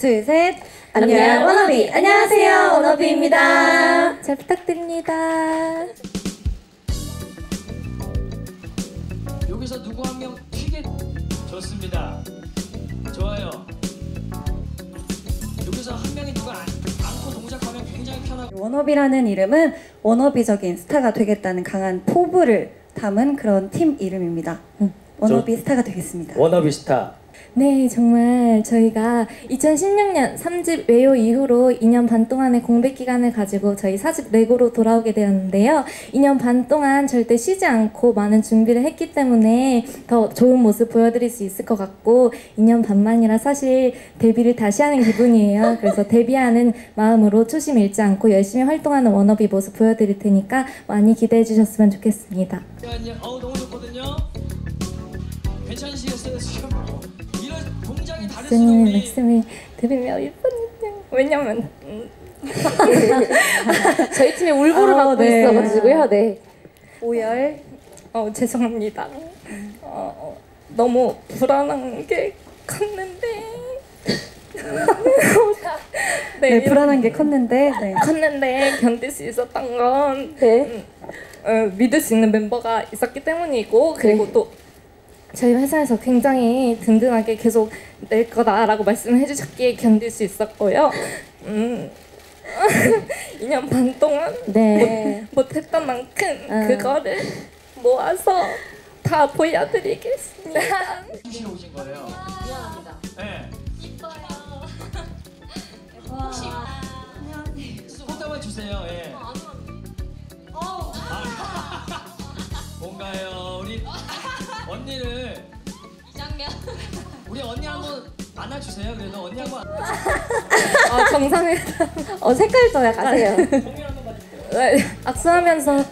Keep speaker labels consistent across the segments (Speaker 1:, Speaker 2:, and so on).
Speaker 1: 둘, 셋.
Speaker 2: 안녕 워너비. 안녕하세요 워너비입니다.
Speaker 1: 잘 부탁드립니다.
Speaker 3: 여기서 누구 한 명 튀게. 좋습니다. 좋아요. 여기서 한 명이 누가 안고 동작하면 굉장히 편하고.
Speaker 1: 워너비라는 이름은 워너비적인 스타가 되겠다는 강한 포부를 담은 그런 팀 이름입니다. 워너비 스타가 되겠습니다.
Speaker 4: 워너비 스타.
Speaker 2: 네, 정말 저희가 2016년 3집 외요 이후로 2년 반 동안의 공백 기간을 가지고 저희 4집 레고로 돌아오게 되었는데요. 2년 반 동안 절대 쉬지 않고 많은 준비를 했기 때문에 더 좋은 모습 보여드릴 수 있을 것 같고 2년 반만이라 사실 데뷔를 다시 하는 기분이에요. 그래서 데뷔하는 마음으로 초심 잃지 않고 열심히 활동하는 워너비 모습 보여드릴 테니까 많이 기대해 주셨으면 좋겠습니다.
Speaker 3: 너무 좋거든요. 괜찮으시겠어요 지금? 이런 동작이 다를 수도
Speaker 2: 쌤의
Speaker 3: 우리.
Speaker 2: 말씀을 들으며 예쁜데 왜냐면 저희 팀에 울보를 맡고
Speaker 1: 네.
Speaker 2: 있어가지고요. 네.
Speaker 1: 오열.
Speaker 2: 죄송합니다. 너무 불안한 게 컸는데
Speaker 1: 네, 불안한 게 컸는데. 네.
Speaker 2: 컸는데 견딜 수 있었던 건 믿을 수 있는 멤버가 있었기 때문이고 그리고 또 저희 회사에서 굉장히 든든하게 계속 낼 거다라고 말씀을 해주셨기에 견딜 수 있었고요. 2년 반 동안 못했던 만큼 그거를 모아서 다 보여드리겠습니다.
Speaker 3: 쉬러 오신 거예요.
Speaker 5: 미안합니다.
Speaker 3: 네.
Speaker 5: 이뻐요.
Speaker 3: 혹시 손담아 주세요. 예. 뭔가요, 우리 언니를.
Speaker 5: 이장면.
Speaker 3: 우리 언니 한번 안아주세요. 그래도 언니 한번.
Speaker 2: 정상회
Speaker 1: 색깔도 약간. 가세요.
Speaker 2: 악수하면서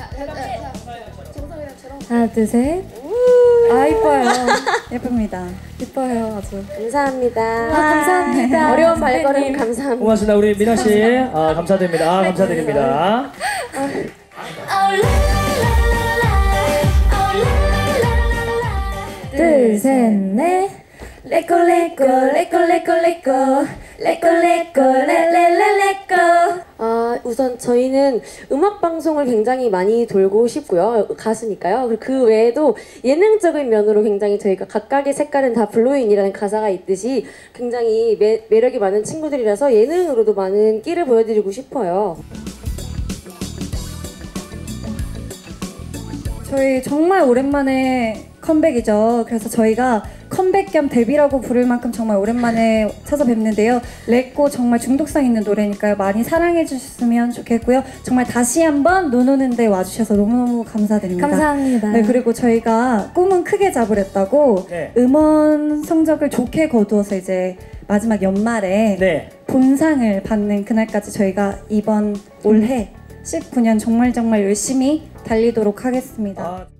Speaker 1: 하나, 둘, 셋.
Speaker 2: 이뻐요.
Speaker 1: 예쁩니다.
Speaker 2: 이뻐요 아주.
Speaker 6: 감사합니다.
Speaker 2: 감사합니다.
Speaker 6: 어려운 발걸음
Speaker 2: 선배님.
Speaker 6: 감사합니다.
Speaker 4: 고맙습니다. 우리 미나 씨. 감사드립니다. 감사드립니다.
Speaker 2: 둘, 셋, 넷. 레코 레코 레코 레코 레코 레코 레코 레레레레코.
Speaker 6: 우선 저희는 음악 방송을 굉장히 많이 돌고 싶고요. 가수니까요. 그 외에도 예능적인 면으로 굉장히 저희가 각각의 색깔은 다 블루인이라는 가사가 있듯이 굉장히 매력이 많은 친구들이라서 예능으로도 많은 끼를 보여드리고 싶어요.
Speaker 1: 저희 정말 오랜만에 컴백이죠. 그래서 저희가 컴백 겸 데뷔라고 부를 만큼 정말 오랜만에 찾아뵙는데요. 레꼬 정말 중독성 있는 노래니까요. 많이 사랑해 주셨으면 좋겠고요. 정말 다시 한번 눈 오는 데 와주셔서 너무너무 감사드립니다.
Speaker 2: 감사합니다.
Speaker 1: 네, 그리고 저희가 꿈은 크게 잡으랬다고 음원 성적을 좋게 거두어서 이제 마지막 연말에 본상을 받는 그날까지 저희가 이번 올해 19년 정말 열심히 달리도록 하겠습니다.